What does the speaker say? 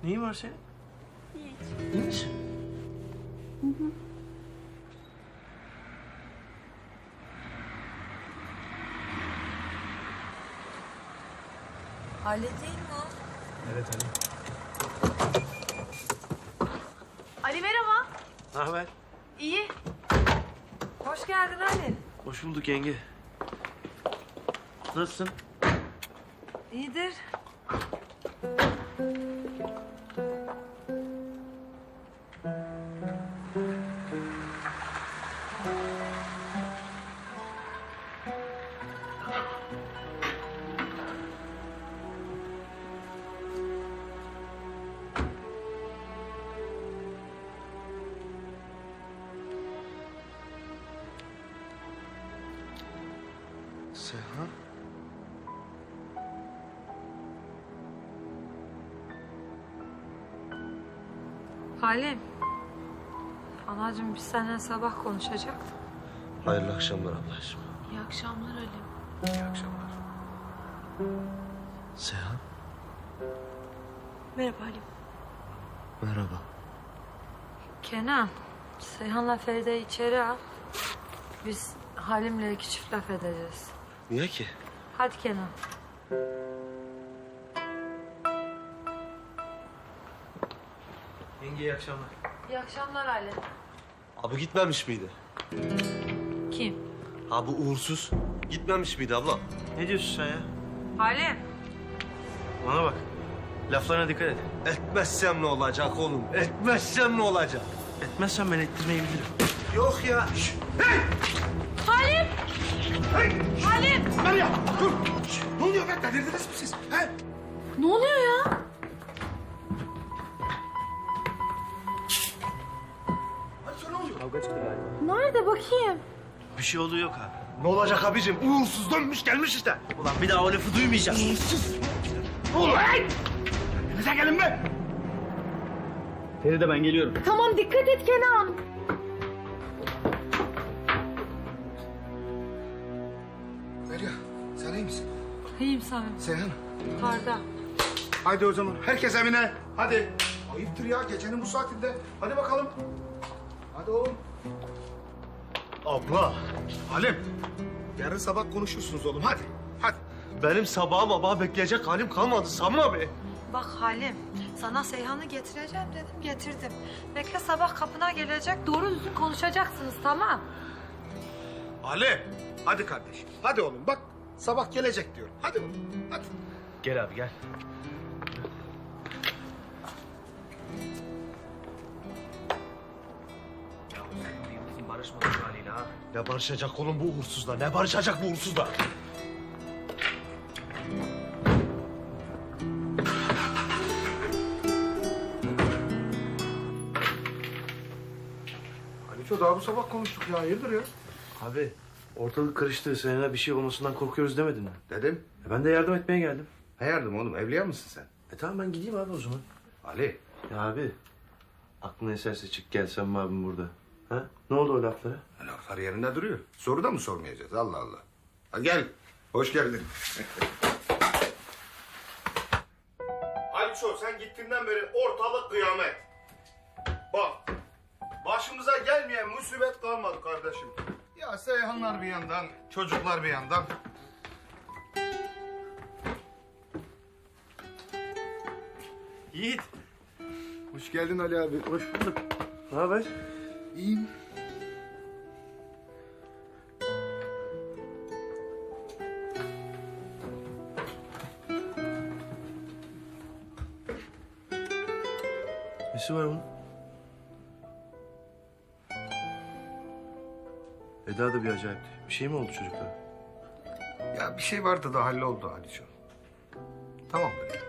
Neyin var senin? Hiç. İyi misin? Ali değil mi o? Evet Ali. Ali merhaba. Ne haber? İyi. Hoş geldin Ali. Hoş bulduk yenge. Nasılsın? İyidir. Seyhan? Halim. Anacığım biz seninle sabah konuşacaktık. Hayırlı akşamlar ablacığım. İyi akşamlar Ali. İyi akşamlar. Seyhan, Merhaba Ali. merhaba. Kenan, Seyhan'la Feride'yi içeri al. Biz Halim'le iki çift laf edeceğiz. Niye ki? Hadi Kenan. Yenge iyi akşamlar. İyi akşamlar Ali. Abi gitmemiş miydi? Kim? Ha bu uğursuz. Gitmemiş miydi abla? Ne diyorsun sen ya? Halim. Bana bak. Laflarına dikkat et. Etmezsem ne olacak oğlum? Etmezsem ne olacak? Etmezsem ben ettirmeyi bilirim. Yok ya. Şş, hey! Halim! Hey! Halim! Meryem dur. Şş, ne oluyor be? Delirdiniz mi siz? He? Ne oluyor ya? Hadi ne oluyor? Kavga çıktı galiba. Nerede bakayım? Bir şey olduğu yok abi. Ne olacak abicim? Uğursuz dönmüş gelmiş işte. Ulan bir daha o lafı duymayacağım. Uğursuz. Ulan! Kendinize gelin be. Feride ben geliyorum. Tamam dikkat et Kenan. Meryem, sen iyi misin? İyiyim Samim. Seyhan. Yukarıda. Haydi o zaman herkes evine. Hadi. Ayıptır ya gecenin bu saatinde. Hadi bakalım. Hadi oğlum. Abla. Halim. Yarın sabah konuşursunuz oğlum. Hadi. Hadi. Benim sabah bekleyecek halim kalmadı Sami abi. Bak Halim, sana Seyhan'ı getireceğim dedim, getirdim. Bekle sabah kapına gelecek, doğru düzgün konuşacaksınız, tamam? Halim. Hadi kardeşim. Hadi oğlum bak. Sabah gelecek diyorum. Hadi oğlum. Hadi. Gel abi gel. Ya sen Yıldız'ın barışmadığı haliyle ha. Ne barışacak oğlum bu uğursuzla? Ne barışacak bu uğursuzla? Haliço daha bu sabah konuştuk ya. Hayırdır ya? Abi ortalık karıştı. Seninle bir şey olmasından korkuyoruz demedin mi? Dedim. Ben de yardım etmeye geldim. Ne yardım oğlum? Evliya mısın sen? Tamam ben gideyim abi o zaman. Ali. Ya abi aklına eserse çık gel sen mi abim burada? Ha? Ne oldu o laflara? Laflar yerinde duruyor. Soru da mı sormayacağız? Allah Allah. Hadi gel. Hoş geldin. Haliço sen gittiğinden beri ortalık kıyamet. Bak. Başımıza gelmeyen musibet kalmadı kardeşim. Ya Seyhanlar bir yandan, çocuklar bir yandan. Yiğit. Hoş geldin Ali abi. Hoş bulduk. Ne haber? İyiyim. Nesi var onun? Eda da bir acayipti. Bir şey mi oldu çocuklara? Ya bir şey vardı da halloldu Haliço. Tamam mı?